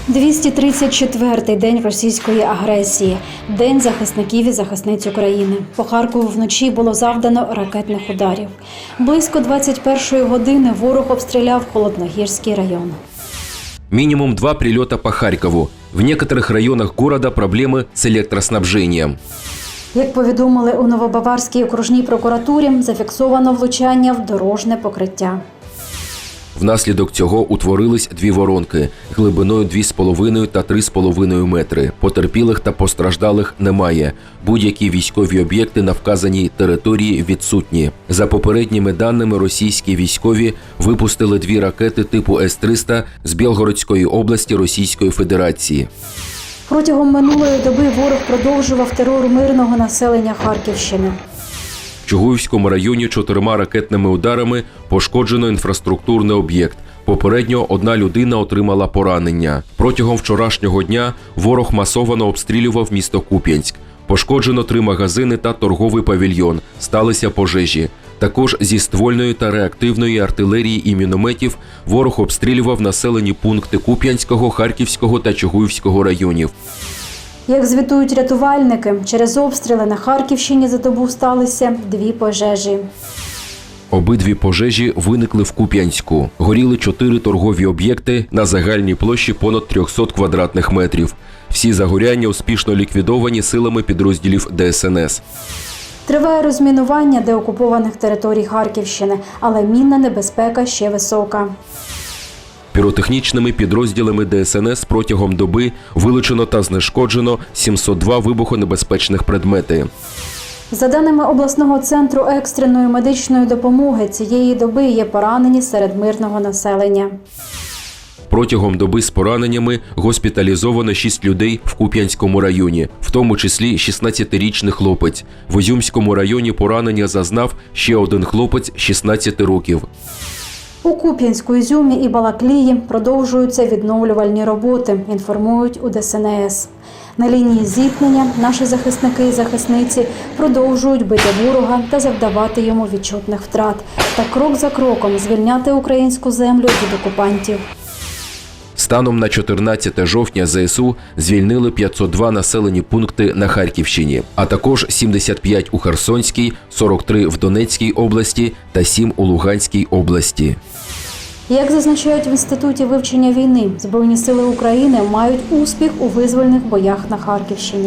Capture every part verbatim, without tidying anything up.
двісті тридцять четвертий день російської агресії. День захисників і захисниць України. По Харкову вночі було завдано ракетних ударів. Близько двадцять першої години ворог обстріляв Холодногірський район. Минимум два прилета по Харькову. В некоторых районах города проблемы с электроснабжением. Як повідомили у Новобаварській окружній прокуратурі, зафіксовано влучання в дорожне покриття. Внаслідок цього утворились дві воронки глибиною дві з половиною та три з половиною метри. Потерпілих та постраждалих немає. Будь-які військові об'єкти на вказаній території відсутні. За попередніми даними, російські військові випустили дві ракети типу С триста з Білгородської області Російської Федерації. Протягом минулої доби ворог продовжував терор мирного населення Харківщини. В Чугуївському районі чотирма ракетними ударами пошкоджено інфраструктурний об'єкт. Попередньо одна людина отримала поранення. Протягом вчорашнього дня ворог масово обстрілював місто Куп'янськ. Пошкоджено три магазини та торговий павільйон. Сталися пожежі. Також зі ствольної та реактивної артилерії і мінометів ворог обстрілював населені пункти Куп'янського, Харківського та Чугуївського районів. Як звітують рятувальники, через обстріли на Харківщині за добу сталися дві пожежі. Обидві пожежі виникли в Куп'янську. Горіли чотири торгові об'єкти на загальній площі понад триста квадратних метрів. Всі загоряння успішно ліквідовані силами підрозділів Де Ес Ен Ес. Триває розмінування деокупованих територій Харківщини, але мінна небезпека ще висока. Піротехнічними підрозділами Де Ес Ен Ес протягом доби вилучено та знешкоджено сімсот два вибухонебезпечних предмети. За даними обласного центру екстреної медичної допомоги, цієї доби є поранені серед мирного населення. Протягом доби з пораненнями госпіталізовано шість людей в Куп'янському районі, в тому числі шістнадцятирічний хлопець. В Ізюмському районі поранення зазнав ще один хлопець шістнадцяти років. У Куп'янську, Ізюмі і Балаклії продовжуються відновлювальні роботи, інформують у Де Ес Ен Ес. На лінії зіткнення наші захисники і захисниці продовжують бити ворога та завдавати йому відчутних втрат та крок за кроком звільняти українську землю від окупантів. Станом на чотирнадцяте жовтня Зе Ес У звільнили п'ятсот два населені пункти на Харківщині, а також сімдесят п'ять у Херсонській, сорок три в Донецькій області та сім у Луганській області. Як зазначають в Інституті вивчення війни, Збройні сили України мають успіх у визвольних боях на Харківщині.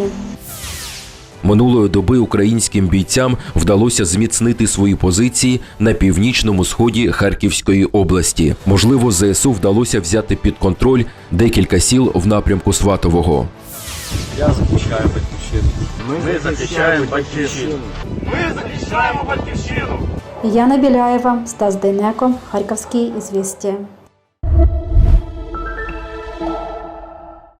Минулої доби українським бійцям вдалося зміцнити свої позиції на північному сході Харківської області. Можливо, Зе Ес У вдалося взяти під контроль декілька сіл в напрямку Сватового. Я захищаю батьківщину. Ми захищаємо батьківщину. Ми захищаємо батьківщину. Яна Біляєва, Стас Дейнеко, Харківські ізвістія.